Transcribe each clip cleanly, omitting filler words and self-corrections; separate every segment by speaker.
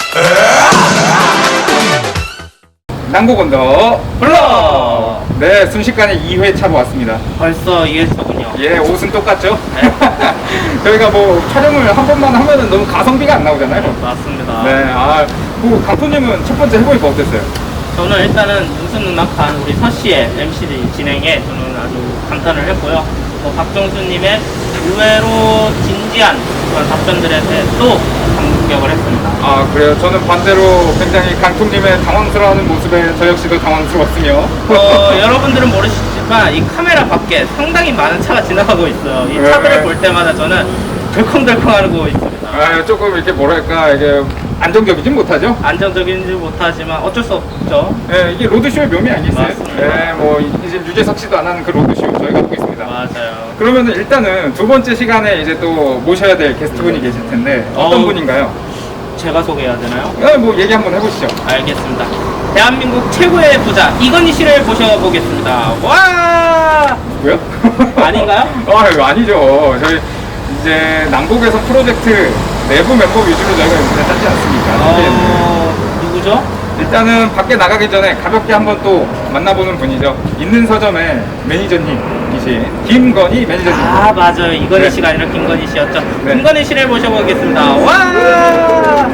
Speaker 1: 난곡 언더 블러. 네, 순식간에 2회차 모았습니다.
Speaker 2: 벌써 2회차군요.
Speaker 1: 예, 옷은 똑같죠? 저희가 뭐 촬영을 한 번만 하면은 너무 가성비가 안 나오잖아요.
Speaker 2: 맞습니다.
Speaker 1: 네, 뭐 강토님은 첫 번째 해보니까 어땠어요?
Speaker 2: 저는 일단은 눈썹눈납한 우리 서씨의 MC 진행에 저는 아주 감탄을 했고요. 박정수님의 의외로 진지한 그런 답변들에 대해 또 감격을 했습니다.
Speaker 1: 그래요? 저는 반대로 굉장히 강토님의 당황스러워하는 모습에 저 역시도 당황스러웠으며
Speaker 2: 여러분들은 모르시지만 이 카메라 밖에 상당히 많은 차가 지나가고 있어요. 이 차들을 볼 때마다 저는 덜컹덜컹하고 있습니다.
Speaker 1: 조금 이렇게 뭐랄까 이게 안정적이진 못하죠?
Speaker 2: 안정적이지 못하지만 어쩔 수 없죠.
Speaker 1: 네, 이게 로드쇼의 묘미 아니겠어요?
Speaker 2: 맞습니다.
Speaker 1: 네, 뭐 이제 유재석 씨도 안 하는 그 로드쇼 저희가 하고 있습니다.
Speaker 2: 맞아요.
Speaker 1: 그러면은 일단은 두 번째 시간에 이제 또 모셔야 될 게스트분이 계실 텐데 어떤 분인가요?
Speaker 2: 제가 소개해야 되나요?
Speaker 1: 뭐 얘기 한번 해보시죠.
Speaker 2: 알겠습니다. 대한민국 최고의 부자 이건희 씨를 모셔보겠습니다. 와!
Speaker 1: 뭐요?
Speaker 2: 아닌가요?
Speaker 1: 이거 아니죠. 저희 이제 난곡에서 프로젝트 내부 멤버 위주로 저희가 이제 짜지 않습니까?
Speaker 2: 누구죠?
Speaker 1: 일단은 밖에 나가기 전에 가볍게 한번 또 만나보는 분이죠. 있는 서점의 매니저님이신 김건희 매니저님.
Speaker 2: 맞아요. 이건희
Speaker 1: 네.
Speaker 2: 씨가 아니라 김건희 씨였죠.
Speaker 1: 네.
Speaker 2: 김건희 씨를 모셔보겠습니다. 와!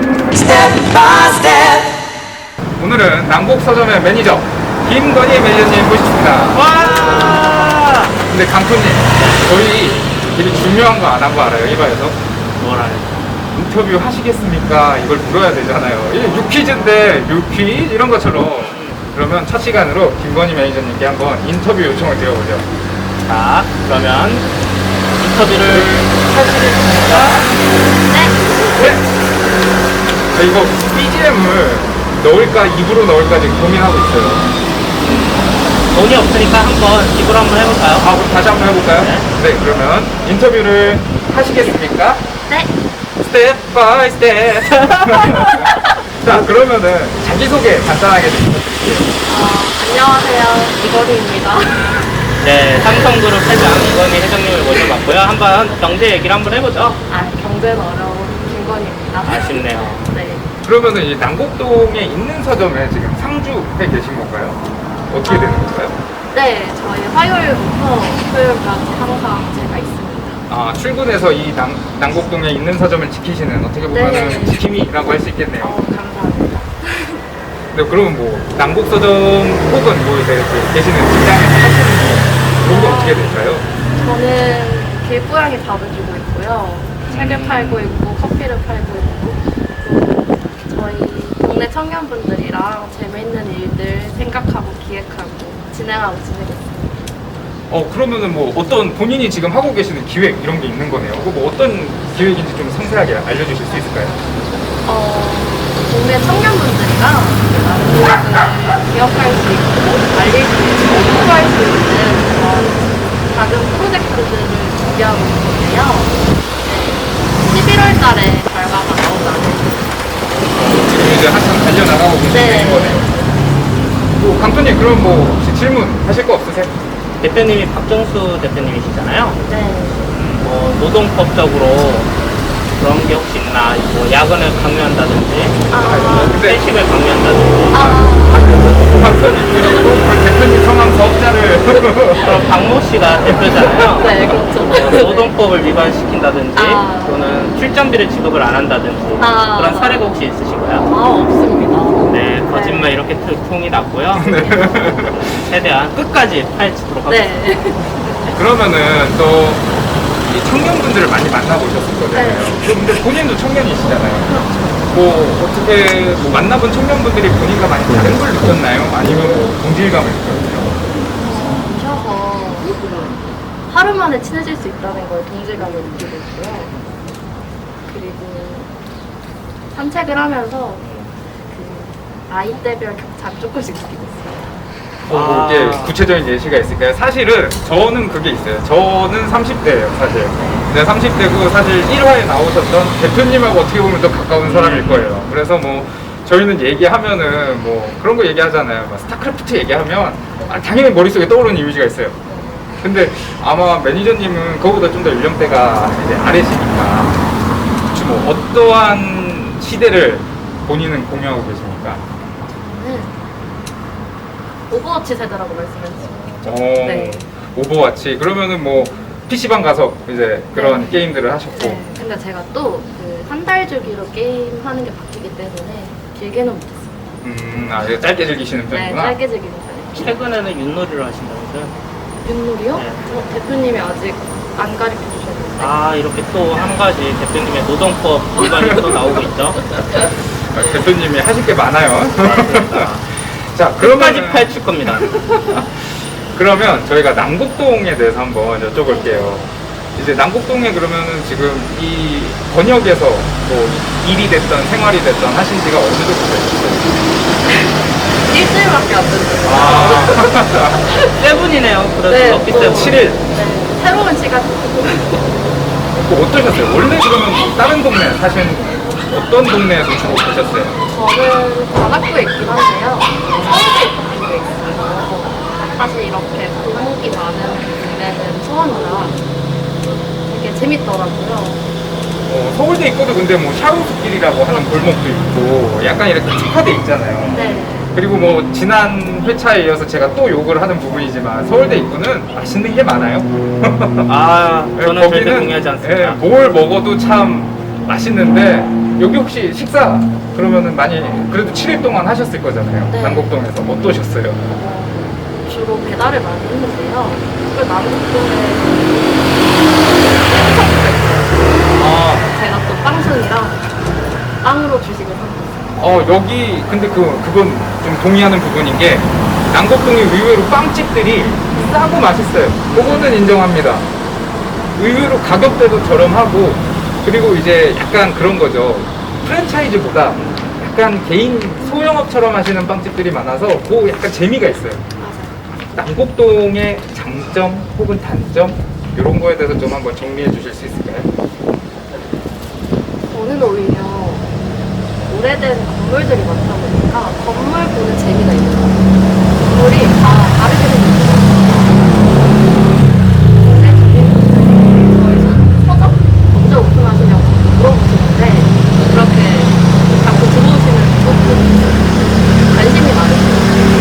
Speaker 1: 오늘은 난곡 서점의 매니저 김건희 매니저님 모십니다.
Speaker 2: 와!
Speaker 1: 근데 강토님, 저희 되게 중요한 거 안 한 거 알아요? 이바에서
Speaker 2: 뭐라요?
Speaker 1: 인터뷰 하시겠습니까? 이걸 물어야 되잖아요. 이게 유퀴즈인데 유퀴즈 이런 것처럼. 그러면 첫 시간으로 김건희 매니저님께 한번 인터뷰 요청을 드려보죠.
Speaker 2: 자, 그러면 인터뷰를 하시겠습니까?
Speaker 1: 네. 저 이거 BGM을 넣을까 입으로 넣을까 지금 고민하고 있어요.
Speaker 2: 돈이 없으니까 한번 입으로 한번 해볼까요?
Speaker 1: 그럼 다시 한번 해볼까요?
Speaker 2: 네.
Speaker 1: 그러면 인터뷰를 하시겠습니까?
Speaker 3: 네.
Speaker 1: 스텝 바이 스텝. 자, 그러면은 자기소개 간단하게 좀 부탁드릴게요.
Speaker 3: 안녕하세요. 이건희입니다.
Speaker 2: 네, 삼성그룹 회장 이건희 회장님을 모셔봤고요. 한번 경제 얘기를 한번 해보죠.
Speaker 3: 경제는 어려운 김건희입니다.
Speaker 2: 아쉽네요.
Speaker 3: 네.
Speaker 1: 그러면은 이 난곡동에 있는 서점에 지금 상주해 계신 건가요? 어떻게 되는 건가요?
Speaker 3: 네, 저희 화요일부터 토요일까지 항상 제가 있습니다.
Speaker 1: 출근해서 이 난곡동에 있는 서점을 지키시는 어떻게 보면은
Speaker 3: 네.
Speaker 1: 지킴이라고 할 수 있겠네요.
Speaker 3: 감사합니다.
Speaker 1: 네, 그러면 뭐 난곡 서점 혹은 뭐 이제 계시는 직장에서 하시는 건 어떻게 될까요?
Speaker 3: 저는 길고양이 밥을 주고 있고요. 책을 팔고 있고 커피를 팔고 있고 또 저희 동네 청년분들이랑 재미있는 일들 생각하고 기획하고 진행하고 지내고 있습니다.
Speaker 1: 그러면은 뭐 어떤 본인이 지금 하고 계시는 기획 이런 게 있는 거네요. 뭐 어떤 기획인지 좀 상세하게 알려주실 수 있을까요?
Speaker 3: 동네 청년분들이랑 난곡을 기억할 수 있고 알릴 수 있고 홍보할 수 있는 작은 프로젝트들을 준비하고 있는데요. 11월 달에 결과가 나온다는.
Speaker 1: 지금 이제 한참 달려나가고 계시는
Speaker 3: 네.
Speaker 1: 거네요. 강토님, 그럼 뭐 혹시 질문 하실 거 없으세요?
Speaker 2: 대표님이 박정수 대표님이시잖아요.
Speaker 3: 네.
Speaker 2: 뭐 노동법적으로 그런 게 혹시 있나? 뭐 야근을 강요한다든지,
Speaker 1: 근데
Speaker 2: 회식을 강요한다든지.
Speaker 1: 강토님 그리고 그 대표님 성함 사업자를
Speaker 2: 그럼 박모 씨가 대표잖아요.
Speaker 3: 네, 그렇죠.
Speaker 2: 노동법을 위반시킨다든지, 또는 출전비를 지급을 안 한다든지 그런 사례가 혹시 있으신가요?
Speaker 3: 없습니다.
Speaker 2: 네, 거짓말 이렇게 통이 났고요. 최대한 끝까지 파헤치도록 하겠습니다.
Speaker 3: 네.
Speaker 1: 그러면은 또 이 청년분들을 많이 만나보셨을 거잖아요.
Speaker 3: 네.
Speaker 1: 근데 본인도 청년이시잖아요. 뭐 어떻게 뭐 만나본 청년분들이 본인과 많이 다른 걸 느꼈나요? 아니면 뭐 동질감을 느꼈나요?
Speaker 3: 오셔서 하루 만에 친해질 수 있다는 걸 동질감을 느끼고 있고요. 그리고 산책을 하면서 그 나이대별 격차를 조금씩 느끼고 있어요.
Speaker 1: 뭐 이게 구체적인 예시가 있을까요? 사실은 저는 그게 있어요. 저는 30대예요, 사실. 내가 30대고 사실 1화에 나오셨던 대표님하고 어떻게 보면 더 가까운 사람일 거예요. 그래서 뭐 저희는 얘기하면은 뭐 그런 거 얘기하잖아요. 막 스타크래프트 얘기하면 당연히 머릿속에 떠오르는 이미지가 있어요. 근데 아마 매니저님은 그거보다 좀 더 연령대가 이제 아래시니까 혹시 뭐 어떠한 시대를 본인은 공유하고 계십니까?
Speaker 3: 저는 오버워치 세대라고 말씀해주셨죠.
Speaker 1: 오,
Speaker 3: 네.
Speaker 1: 오버워치. 그러면은 뭐 PC방 가서 이제 그런
Speaker 3: 네.
Speaker 1: 게임들을 하셨고.
Speaker 3: 네. 근데 제가 또 그 한 달 주기로 게임 하는 게 바뀌기 때문에 길게는 못했어요.
Speaker 1: 아, 이거 짧게 즐기시는
Speaker 3: 네,
Speaker 1: 편이구나.
Speaker 3: 짧게 즐기는 편이에요.
Speaker 2: 최근에는 윷놀이를 하신다면서요?
Speaker 3: 윷놀이요?
Speaker 2: 네.
Speaker 3: 대표님이 아직 안 가르쳐 주셨는데.
Speaker 2: 아, 이렇게 또 한 가지 대표님의 노동법 위반이 또 나오고 있죠.
Speaker 1: 아, 대표님이 하실 게 많아요.
Speaker 2: 네,
Speaker 1: 자,
Speaker 2: 끝까지
Speaker 1: 그러면
Speaker 2: 파헤칠 겁니다.
Speaker 1: 그러면 저희가 남곡동에 대해서 한번 여쭤볼게요. 이제 남곡동에 그러면은 지금 이 번역에서 뭐 일이 됐던 생활이 됐던 하신 지가 어느 정도 되셨어요?
Speaker 3: 일주일밖에 안 됐어요.
Speaker 1: 아,
Speaker 2: 세븐이네요. 그래도
Speaker 3: 네,
Speaker 2: 럭키
Speaker 3: 뭐,
Speaker 2: 세븐.
Speaker 1: 7일.
Speaker 3: 네, 새로운 시간.
Speaker 1: 뭐 어떠셨어요? 원래 그러면 다른 동네 사신 어떤 동네에서 주로 계셨어요?
Speaker 3: 저는 관악구에 있긴 한데요. 서울에 있어요. 사실 이렇게 골목이 많은 동네는 처음이라 되게 재밌더라고요.
Speaker 1: 서울대 있고도 근데 뭐 샤오스길이라고 하는 골목도 있고 약간 이렇게 특화돼 있잖아요.
Speaker 3: 네.
Speaker 1: 그리고 뭐 지난 회차에 이어서 제가 또 욕을 하는 부분이지만 서울대 입구는 맛있는 게 많아요.
Speaker 2: 아,
Speaker 1: 네,
Speaker 2: 저는 절대 동의하지 않습니다.
Speaker 1: 예, 뭘 먹어도 참 맛있는데 여기 혹시 식사 그러면은 많이 그래도 7일 동안 하셨을 거잖아요.
Speaker 3: 네.
Speaker 1: 남곡동에서 어떠셨어요?
Speaker 3: 주로 배달을 많이 했는데요. 그 남북동에
Speaker 1: 아,
Speaker 3: 제가 또 빵순이랑 빵으로 주식을 샀어요.
Speaker 1: 여기 근데 그건 좀 동의하는 부분인 게 남곡동이 의외로 빵집들이 싸고 맛있어요. 그거는 인정합니다. 의외로 가격대도 저렴하고 그리고 이제 약간 그런 거죠. 프랜차이즈보다 약간 개인 소형업처럼 하시는 빵집들이 많아서 그 약간 재미가 있어요.
Speaker 3: 맞아요.
Speaker 1: 남곡동의 장점 혹은 단점 이런 거에 대해서 좀 한번 정리해 주실 수 있을까요?
Speaker 3: 저는 오히려 오래된 건물들이 많다 보니까 건물 보는 재미가 있는 것 같아요. 건물이 다 다르게 생겼어요. 근데 저희 서점 언제 오픈하시냐고 물어보시는데 그렇게 자꾸 들어오시는 분들 관심이 많으시죠.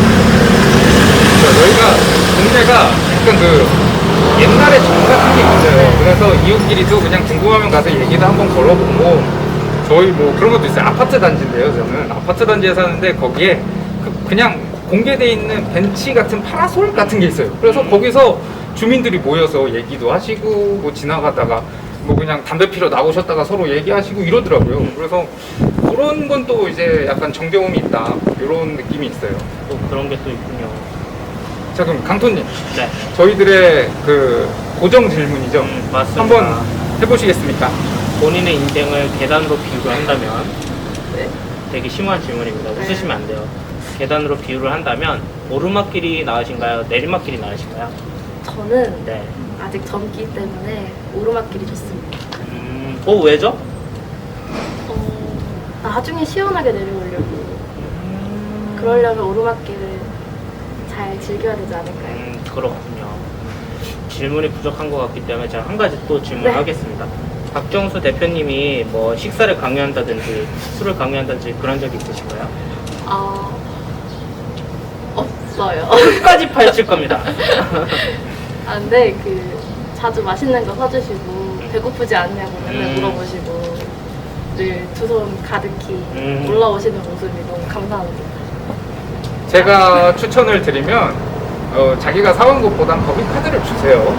Speaker 1: 저희가 동네가 약간 옛날에 정 같은 게 있어요. 그래서 이웃끼리도 그냥 궁금하면 가서 얘기도 한번 걸어보고 저희 뭐 그런 것도 있어요. 아파트 단지인데요. 저는 아파트 단지에 사는데 거기에 그냥 공개돼 있는 벤치 같은 파라솔 같은 게 있어요. 그래서 거기서 주민들이 모여서 얘기도 하시고 뭐 지나가다가 뭐 그냥 담배 피러 나오셨다가 서로 얘기하시고 이러더라고요. 그래서 그런 건 또 이제 약간 정겨움이 있다 이런 느낌이 있어요.
Speaker 2: 또 그런 게 또 있군요.
Speaker 1: 자 그럼 강토님
Speaker 2: 네.
Speaker 1: 저희들의 그 고정 질문이죠.
Speaker 2: 맞습니다.
Speaker 1: 한번 해보시겠습니까?
Speaker 2: 본인의 인생을 계단으로 비유를 한다면
Speaker 3: 네.
Speaker 2: 되게 심한 질문입니다.
Speaker 3: 네.
Speaker 2: 웃으시면 안 돼요. 계단으로 비유를 한다면 오르막길이 나으신가요? 내리막길이 나으신가요?
Speaker 3: 저는
Speaker 2: 네.
Speaker 3: 아직 젊기 때문에 오르막길이 좋습니다.
Speaker 2: 왜죠?
Speaker 3: 나중에 시원하게 내려오려고 그러려면 오르막길을 잘 즐겨야 되지 않을까요?
Speaker 2: 그렇군요. 질문이 부족한 것 같기 때문에 제가 한 가지 또 질문을
Speaker 3: 네.
Speaker 2: 하겠습니다. 박정수 대표님이 뭐 식사를 강요한다든지 술을 강요한다든지 그런 적이 있으신가요?
Speaker 3: 없어요.
Speaker 2: 끝까지 파헤칠 겁니다.
Speaker 3: 근데 자주 맛있는 거 사주시고 배고프지 않냐고 맨날 물어보시고 늘 두 손 가득히 올라오시는 모습이 너무 감사합니다.
Speaker 1: 제가 추천을 드리면 자기가 사온 것보단 법인카드를 주세요.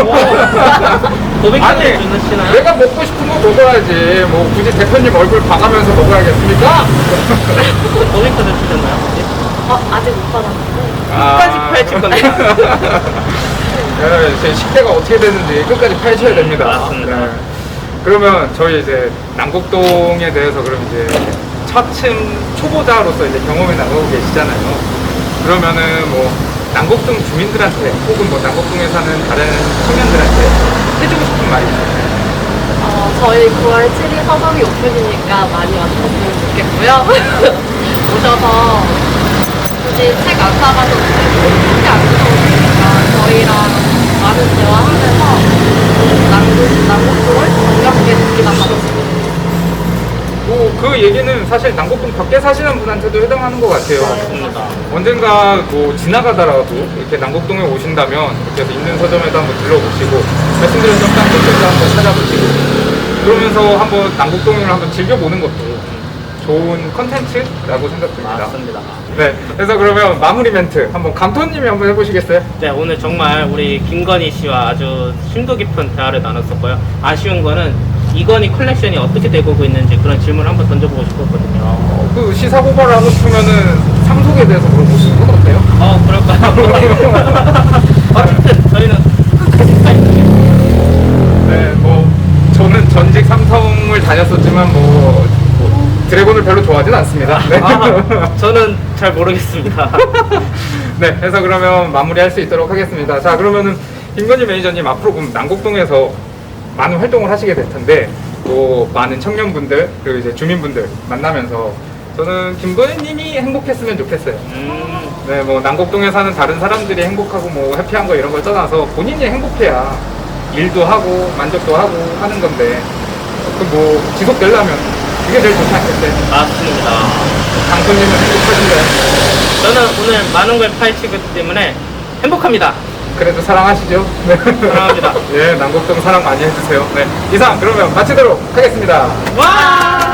Speaker 2: 법인카드를 주시나요?
Speaker 1: 내가 먹고 싶은 거 먹어야지. 뭐 굳이 대표님 얼굴 봐가면서 먹어야겠습니까?
Speaker 2: 법인카드 주셨나요?
Speaker 3: 아직 못 받았는데
Speaker 2: 끝까지 파헤칠 겁니다.
Speaker 1: 제 식대가 어떻게 되는지 끝까지 파헤쳐야 됩니다.
Speaker 2: 맞습니다.
Speaker 1: 네. 그러면 저희 이제 남곡동에 대해서 그럼 이제 차츰 초보자로서 이제 경험해 나가고 계시잖아요. 그러면은 뭐 남곡동 주민들한테 혹은 뭐 남곡동에 사는 다른 청년들한테 해주고 싶은 말이 있을까요?
Speaker 3: 저희 9월 7일 서점이 오픈이니까 많이 와주셨으면 좋겠고요. 오셔서 굳이 책 안 사가셔도 되고 크게 안 드셔도 되니까 저희랑 많은 대화하면서 남곡동을 반갑게 느끼다 가셨으면 좋겠어요.
Speaker 1: 그 얘기는 사실 남곡동 밖에 사시는 분한테도 해당하는 것 같아요.
Speaker 2: 맞습니다.
Speaker 1: 언젠가 뭐 지나가다라도 이렇게 남곡동에 오신다면 이렇게 해서 있는 서점에도 한번 들러보시고 말씀드렸던 딴곳들도 한번 찾아보시고 그러면서 한번 남곡동을 한번 즐겨보는 것도 좋은 컨텐츠라고 생각됩니다.
Speaker 2: 맞습니다.
Speaker 1: 네, 그래서 그러면 마무리 멘트 한번 감토님이 한번 해보시겠어요?
Speaker 2: 네, 오늘 정말 우리 김건희 씨와 아주 심도 깊은 대화를 나눴었고요. 아쉬운 거는 이건희 컬렉션이 어떻게 되고 있는지 그런 질문을 한번 던져보고 싶었거든요.
Speaker 1: 그 시사 고발을 하고 싶으면은 삼속에 대해서 물어보시는 건 어때요?
Speaker 2: 그럴까요? 어쨌든 저희는 끝까지 파이팅.
Speaker 1: 네, 뭐 저는 전직 삼성을 다녔었지만 뭐 드래곤을 별로 좋아하진 않습니다. 네.
Speaker 2: 저는 잘 모르겠습니다.
Speaker 1: 네, 해서 그러면 마무리할 수 있도록 하겠습니다. 자, 그러면은 김건희 매니저님 앞으로 그럼 남곡동에서 많은 활동을 하시게 될 텐데 또 많은 청년분들 그리고 이제 주민분들 만나면서 저는 김건희님이 행복했으면 좋겠어요. 네, 뭐 남곡동에 사는 다른 사람들이 행복하고 뭐 해피한 거 이런 걸 떠나서 본인이 행복해야 일도 하고 만족도 하고 하는 건데 그 뭐 지속되려면 그게 제일 좋지 않겠어요?
Speaker 2: 맞습니다.
Speaker 1: 강소님은 행복하신가요?
Speaker 2: 저는 오늘 많은 걸 파헤치기 때문에 행복합니다.
Speaker 1: 그래도 사랑하시죠? 네.
Speaker 2: 사랑합니다.
Speaker 1: 예, 남곡동 사랑 많이 해주세요. 네, 이상 그러면 마치도록 하겠습니다.
Speaker 2: 와!